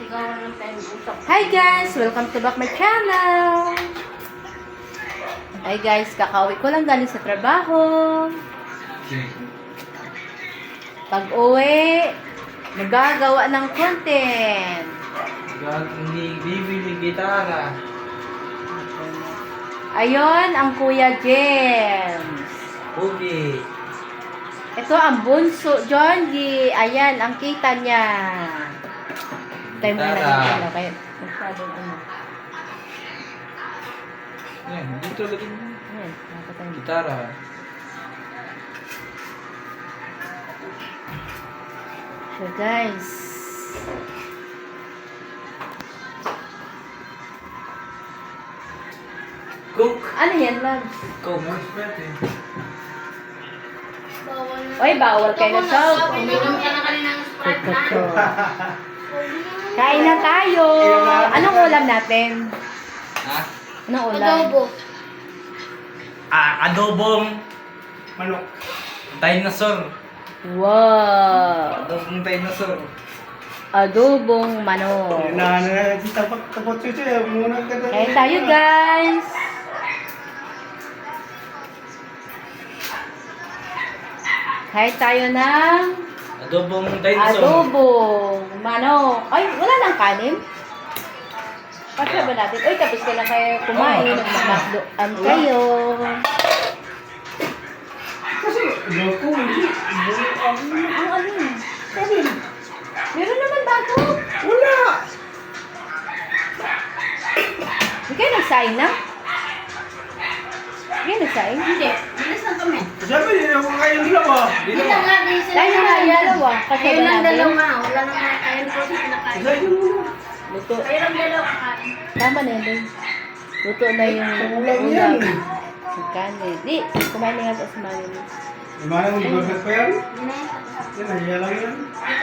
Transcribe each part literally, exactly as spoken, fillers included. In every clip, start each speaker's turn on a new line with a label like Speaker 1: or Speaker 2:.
Speaker 1: Hi guys! Welcome to back my channel! Hi guys, kakauwi ko lang galing sa trabaho. Pag uwi, magagawa ng content.
Speaker 2: Hindi bibili gitara.
Speaker 1: Ayon ang Kuya James.
Speaker 2: Okay.
Speaker 1: Ito ang bunso, John G. Ayan, ang kita niya. Tayo mo na
Speaker 2: Gitara.
Speaker 1: lang. Kaya, masyadong ano.
Speaker 2: Yan, dito lagi mo.
Speaker 1: Ayan, nakakatayo mo.
Speaker 2: Gitara.
Speaker 1: So guys,
Speaker 2: Cook.
Speaker 1: ano yan, love?
Speaker 2: Cook. Pwede.
Speaker 1: Oy, bawal kayo na sob.
Speaker 3: Uminom ka na kanina ng Sprite na.
Speaker 1: Kain na tayo. Anong ulam natin?
Speaker 2: Ha?
Speaker 1: Anong ulam?
Speaker 3: Adobo.
Speaker 2: Ah, adobong manok. Dinosaur.
Speaker 1: Wow.
Speaker 2: Adobong dinosaur.
Speaker 1: Adobong manok.
Speaker 4: Na na tapak tapot cucu ya muna ka.
Speaker 1: Kain tayo guys. Kain tayo ng
Speaker 2: Adobong dinosaur.
Speaker 1: adobong manok. Ay, wala nang kanin? Pasya ba natin? Uy, tapos ko lang kayo kumain. Magmakdoan kayo.
Speaker 4: Kasi loko hindi.
Speaker 1: Ang ano yun? Sabi, meron naman bago.
Speaker 4: Wala.
Speaker 1: Hindi kayo nagsaing na? Hindi kayo nagsaing?
Speaker 3: Hindi. Bilis lang kami.
Speaker 4: Sabi niya ako kayong dalawa.
Speaker 3: Hindi lang nga. Di sila
Speaker 1: Tayo na nga dalawa. Kasi
Speaker 3: Kayo
Speaker 1: ba
Speaker 3: lang
Speaker 1: natin?
Speaker 3: dalawa. Wala nang kakain ko sa pinakain.
Speaker 4: Sabi mo muna.
Speaker 1: Luto.
Speaker 3: Kayo lang dalawa kakain.
Speaker 1: Tama na yun. Luto na yung
Speaker 4: Kulang yan.
Speaker 1: Si kanin. Di, kumain na nga sa mami.
Speaker 4: Gimana mo burger pa yan?
Speaker 3: Hindi na yun.
Speaker 4: Yan nahiya lang yan.
Speaker 3: Dito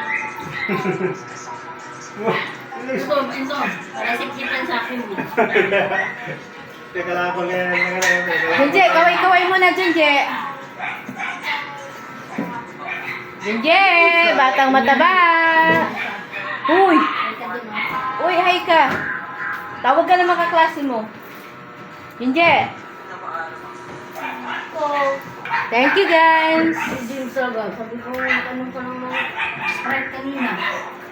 Speaker 3: kasama.
Speaker 4: Wah.
Speaker 3: Ito, ito. Para sikitan sa akin.
Speaker 4: Teka lang ako ganyan.
Speaker 1: Junje, kaway-kaway mo na, Junje. Junje, batang mataba. Uy, uy, hi ka. Tawag ka naman kaklase mo. Junje. Thank you, guys.
Speaker 3: Hindi yung saga. Sabi ko, tanong ko ng mga Sprite kanina.